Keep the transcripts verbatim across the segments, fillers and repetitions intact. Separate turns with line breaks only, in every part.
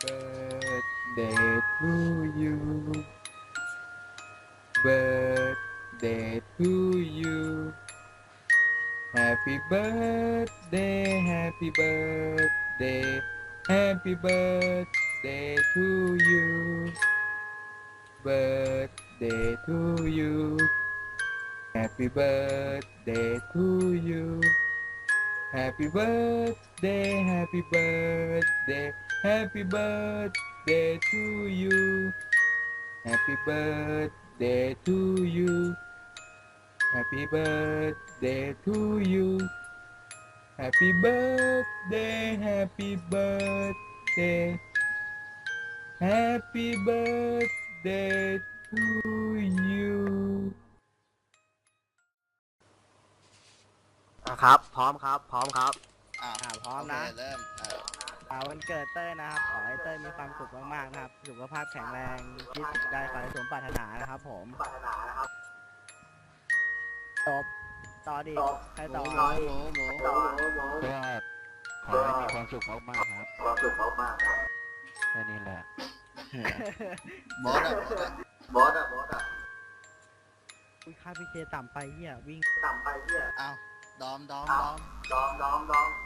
birthday to you birthday to you Happy birthday Happy birthday Happy birthday to you birthday to you Happy birthday to you Happy birthday Happy birthday Happy birthday to you Happy birthday to you Happy birthday to you Happy birthday Happy birthday Happy birthday to you
อ่ะครับพร้อมครับพร้อมครับ
อ่า
อ่าพร้อมนะ
โเคเริ่มเออ
อ่าวันเกิดเต้ยนะครับขอให้เต้ยมีความสุขมากๆนะครับสุขภาพแข็งแรงคิดได้ขอให้สมปรารถนานะครับผมจบต่อดีใครต่อ
หมูหมูหมูหมู
ก็ขอให้มีความสุขมากๆครับความสุขมากๆครับแค่นี้แหละ
บอสอะบอสอะบอสอะ
อุ้ยค่าพีเคต่ำไปเหี้ยวิ่ง
อ้าวดอมดอมดอม
ดอมดอมดอม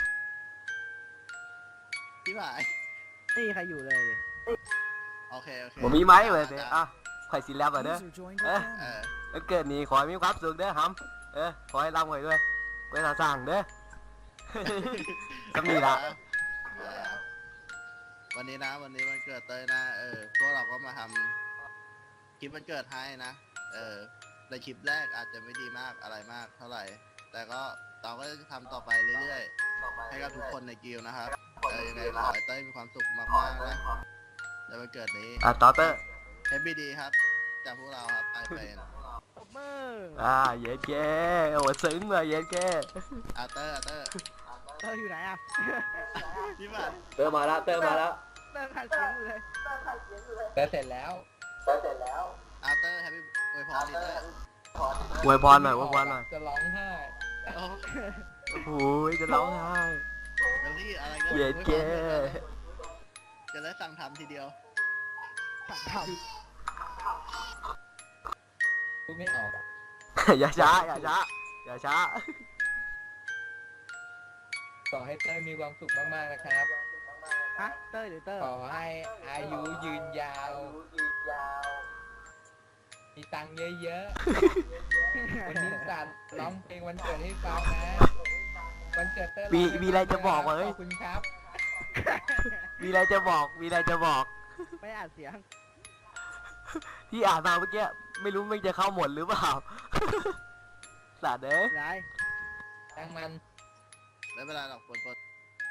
พี่บ่าย
นี่ใครอยู่เลยดิ
โอเคโอเค
ผมมีไหมเว้ยเด้อ่ะข่อยสิแล้วเด้อเอ้ย
เออ
วันเกิดนี้ขอให้มีความสุขเด้อฮัมเออขอให้ร่ำรวยด้วยไว้ทาสร้างเด้อ ก็มีละ
เออวันนี้นะวันนี้วันเกิดเต้ยนะเออพวกเราก็มาทำคลิปวันเกิดให้นะเออในคลิปแรกอาจจะไม่ดีมากอะไรมากเท่าไหร่ แต่ก็เราก็จะทำต่อไปเรื่อยๆให้กับทุกคนในกิลด์นะครับเออยังไงขอให้เต้ยมีความสุขมากๆนะในวันเกิดนี้
อ่ะต่อเตอร์
เฮปปี้ดีครับจากพวกเราครับไอเป็น
ตบมือ
อ่าเย็ดแกโอ้ซึ้งเลยเย็ดแก
อาเตอร์อาเตอร์
เต้ยอยู่ไหนอ่ะ
พี่บัตร
เตอร์มาแล้วเตอร์มาแล้ว
เต้ยขาดเสียงอยู่เลย
แต่เสร็จแล้ว
อาเตอร์แฮปปี้อวยพรดิเตอร์
อวยพรหน่อยอวยพรหน่อย
จะร้องไห้
โอ้
โอ้ยจะร้องไห้
เดลี่อะไรก็
เย็ดแก
จะได้สั่งทำทีเดียว
สั่งท
พูดไม่ออกอะ
อย่าช้าอย่าช้าอย่าช้า
ขอให้เต้ยมีความสุขมากๆนะครับ
ำฮะเต้ยหรือเต้ย
ขอให้อายุยืนยาว มีตังค์เยอะๆ วันนี้จัดร้องเพลงวันเกิดให้ฟังนะ วันเกิดเต้ย
มี
ร้งเพลง
มีอะไรจะบอกวะ
ข
เฮ้ย
อบคุณครับ
มีอะไรจะบอกมีอะไรจะบอก
ไม่อ่านเสียง
ที่อ่านมาเมื่อกี้ไม่รู้มันจะเข้าหมดหรือเปล่า สัตว์เอ้ย
ไร
ตั้งมัน
ไม่เป็นไรหรอกปนปน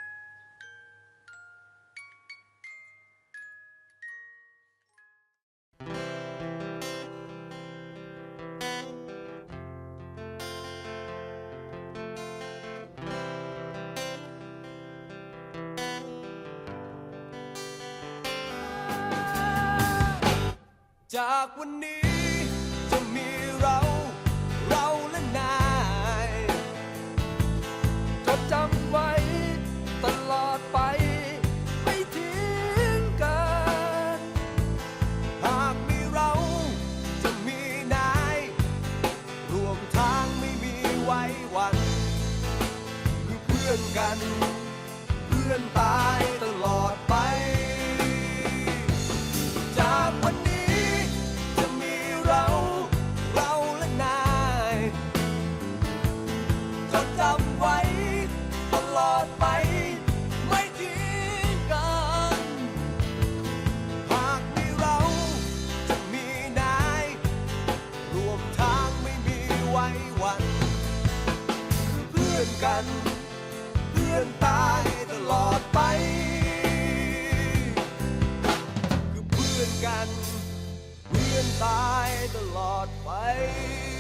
จากวันนี้จะมีเราเราและนายจดจำไว้ตลอดไปไม่ทิ้งกัน หากมีเราจะมีนายรวมทางไม่มีไว้วันคือเพื่อนกันเพื่อนตายตลอดไปจากวันนี้จะมีเราเราและนายจดจำไว้ตลอดไปไม่ทิ้งกันหากมีเราจะมีนายรวมทางไม่มีไว้วันคือเพื่อนกันเพื่อนตายตลอดไปคือเพื่อนกันเพื่อนตายตลอดไป